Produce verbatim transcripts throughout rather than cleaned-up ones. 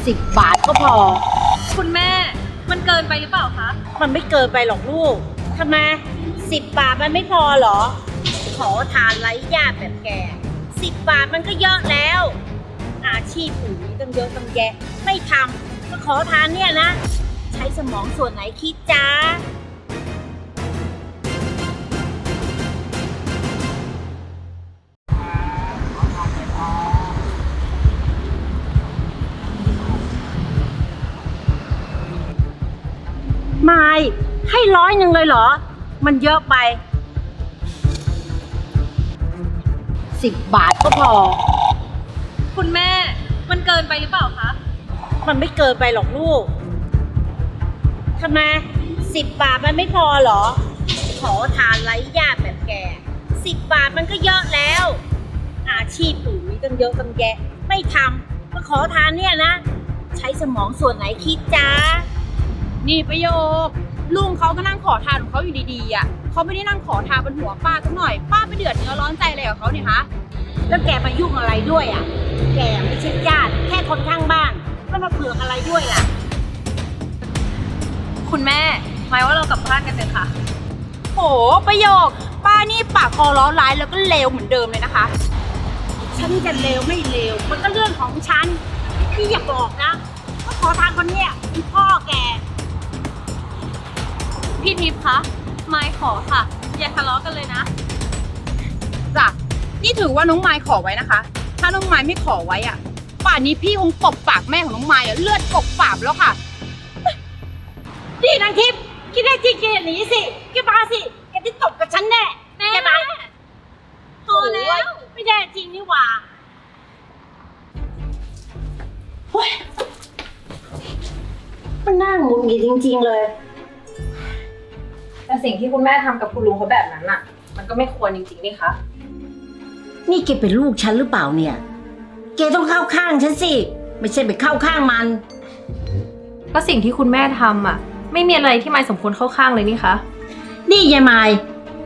สิบบาทก็พอคุณแม่มันเกินไปหรือเปล่าคะมันไม่เกินไปหรอกลูกทำไมสิบบาทมันไม่พอเหรอขอทานไร้ญาติแบบแกสิบบาทมันก็เยอะแล้วอาชีพอื่นมีตั้งเยอะตั้งแยะไม่ทำก็ขอทานเนี่ยนะใช้สมองส่วนไหนคิดจ้าไม่ให้ร้อยหนึ่งเลยเหรอมันเยอะไปสิบบาทก็พอคุณแม่มันเกินไปหรือเปล่าคะมันไม่เกินไปหรอกลูกทำไมสิบบาทมันไม่พอเหรอขอทานไร้ญาติแบบแกสิบบาทมันก็เยอะแล้วอาชีพอื่นมีตั้งเยอะตั้งแยะไม่ทำก็ขอทานเนี่ยนะใช้สมองส่วนไหนคิดจ้านี่ประโยคลุงเขาก็นั่งขอทานของเขาอยู่ดีๆอ่ะเขาไม่ได้นั่งขอทานบนหัวป้าสักหน่อยป้าไปเดือดเนื้อร้อนใจอะไรกับเขาเนี่ยฮะแล้วแกมายุ่งอะไรด้วยอ่ะแกไม่ใช่ญาติแค่คนข้างบ้านแล้วมาเผือกอะไรด้วยล่ะคุณแม่หมายว่าเรากลับบ้านกันเถอะค่ะโหประโยคป้านี่ปากคอร้อนร้ายแล้วก็เลวเหมือนเดิมเลยนะคะฉันจะเลวไม่เลวมันก็เรื่องของฉันพี่อย่าบอกนะว่าขอทานคนเนี้ยเป็นพ่อแกพี่ทิพย์คะไมค์ขอค่ะอย่าทะเลาะกันเลยนะจ้ะนี่ถือว่าน้องไมค์ขอไว้นะคะถ้าน้องไมค์ไม่ขอไว้อ่ะป่านนี้พี่คงตบปากแม่ของน้องไมค์อ่ะเลือดกบปากแล้วค่ะดีนางทิพย์คิดได้จริงแกหนีสิแกมาสิแกจะตบกับฉันแน่แม่แกมาพอแล้วไม่ได้จริงนี่หว่าเฮ้ยมันน่าหงุดหงิดจริงๆเลยแต่สิ่งที่คุณแม่ทำกับคุณลุงเขาแบบนั้นน่ะมันก็ไม่ควรจริงๆนี่คะนี่แกเป็นลูกฉันหรือเปล่าเนี่ยแกต้องเข้าข้างฉันสิไม่ใช่ไปเข้าข้างมันก็สิ่งที่คุณแม่ทำอ่ะไม่มีอะไรที่ไมค์สมควรเข้าข้างเลยนี่คะนี่ยายไมค์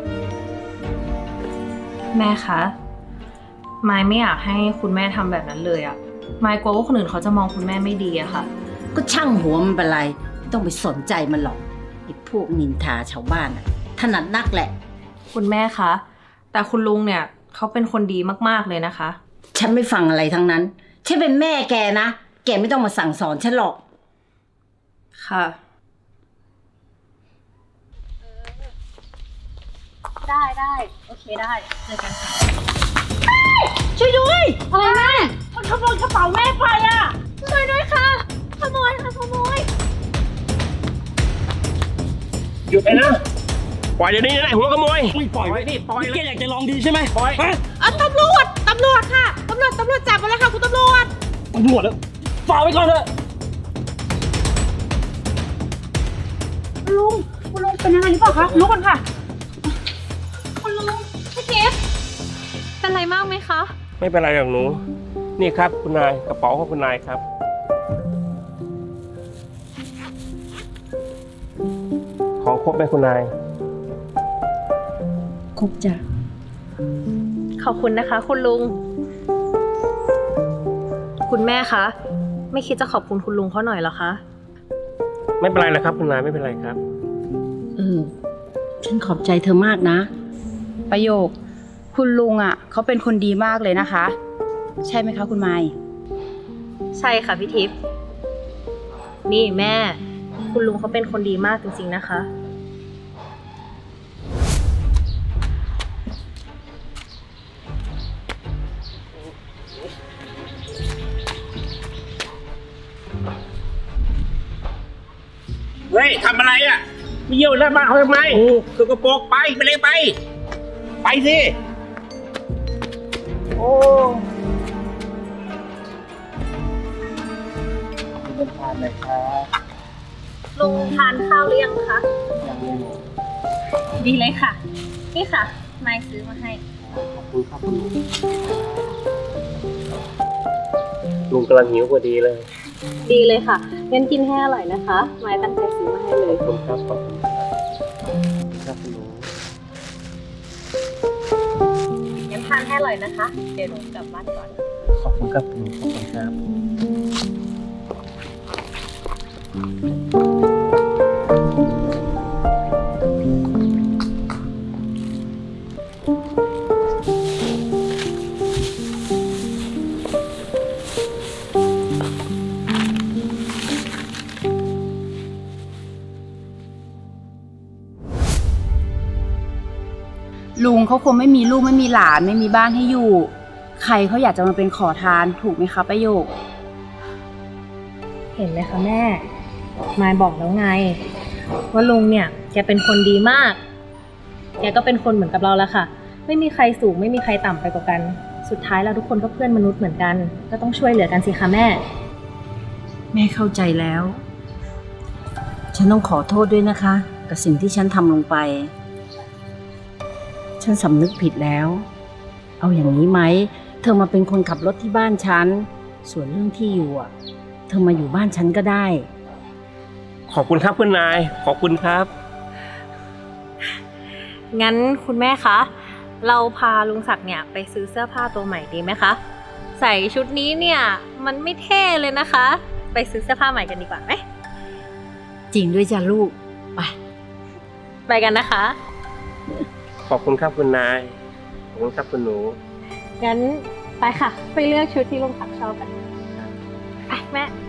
แม่คะไมค์ไม่อยากให้คุณแม่ทำแบบนั้นเลยอ่ะไมค์กลัวว่าคนอื่นเขาจะมองคุณแม่ไม่ดีอะค่ะก็ช่างหัวมันเป็นไรไม่ต้องไปสนใจมันหรอกไอ้พวกนินทาชาวบ้านอ่ะถนัดนักแหละคุณแม่คะแต่คุณลุงเนี่ยเขาเป็นคนดีมากๆเลยนะคะฉันไม่ฟังอะไรทั้งนั้นฉันเป็นแม่แกนะแกไม่ต้องมาสั่งสอนฉันหรอกค่ะได้ได้โอเคได้เจอกันค่ะช่วยด้วยอะไรแม่มันขโมยกระเป๋าแม่ไปอ่ะช่วยด้วยค่ะขโมยค่ะขโมยหยุดไปนะปล่อยเดี๋ยวนี้นะหัวขโมยปล่อยไว้นี่ปล่อยแกอยากจะลองดีใช่ไหมปล่อยอ่ะตำรวจตำรวจค่ะตำรวจตำรวจจับมาเลยค่ะคุณตำรวจตำรวจแล้วฝากไว้ก่อนเถอะลุงคุณลุงเป็นยังไงหรือเปล่าคะลุกก่อนค่ะคุณลุงพี่ทิพย์เป็นไรมากไหมคะไม่เป็นไรหรอกหนูนี่ครับคุณนายกระเป๋าของคุณนายครับของครบไหมคุณนายครบจ้ะขอบคุณนะคะคุณลุงคุณแม่คะไม่คิดจะขอบคุณคุณลุงเขาหน่อยเหรอคะไม่เป็นไรนะครับคุณนายไม่เป็นไรครับเออฉันขอบใจเธอมากนะประโยคคุณลุงอ่ะเขาเป็นคนดีมากเลยนะคะใช่ไหมคะคุณไมค์ใช่ค่ะพี่ทิพย์นี่แม่คุณลุงเขาเป็นคนดีมากจริงๆนะคะเฮ้ยทำอะไรอ่ะไปเยี่ยวหน้าบ้านเขาทำไมสกปรกไปไปเลยไปไปสิโอ้ขอบคุณทานเลยครับลุงทานข้าวหรือยังคะยังไม่ดีเลยค่ะนี่ค่ะนายซื้อมาให้ขอบคุณครับคุณลุงลุงกำลังหิวพอดีเลยดีเลยค่ะงั้นกินให้อร่อยนะคะไม้ตั้งใจซื้อมาให้เลยขอบคุณครับขอบคุณครับคุณลุงงั้นทานให้อร่อยนะคะเดี๋ยวลุงกลับบ้านก่อนขอบคุณครับคุณลุงขอบคุณครับลุงเขาคงไม่มีลูกไม่มีหลานไม่มีบ้านให้อยู่ ใครเขาอยากจะมาเป็นขอทานถูกไหมคะประโยคเห็นไหมคะแม่ มายบอกแล้วไง ว่าลุงเนี่ยแกเป็นคนดีมาก แกก็เป็นคนเหมือนกับเราแล้วค่ะ ไม่มีใครสูงไม่มีใครต่ำไปกว่ากัน สุดท้ายเราทุกคนก็เพื่อนมนุษย์เหมือนกัน ก็ต้องช่วยเหลือกันสิคะแม่แม่เข้าใจแล้ว ฉันต้องขอโทษด้วยนะคะ กับสิ่งที่ฉันทำลงไป ฉันสำนึกผิดแล้ว เอาอย่างนี้ไหม เธอมาเป็นคนขับรถที่บ้านฉัน ส่วนเรื่องที่อยู่อ่ะ เธอมาอยู่บ้านฉันก็ได้ขอบคุณครับคุณนาย ขอบคุณครับงั้นคุณแม่คะ เราพาลุงศักดิ์เนี่ยไปซื้อเสื้อผ้าตัวใหม่ดีไหมคะ ใส่ชุดนี้เนี่ยมันไม่เท่เลยนะคะ ไปซื้อเสื้อผ้าใหม่กันดีกว่าไหมจริงด้วยจ้ะลูก ไปไปกันนะคะขอบคุณครับคุณนาย ขอบคุณครับคุณหนูงั้นไปค่ะ ไปเลือกชุดที่ลุงศักดิ์ชอบกัน ไปแม่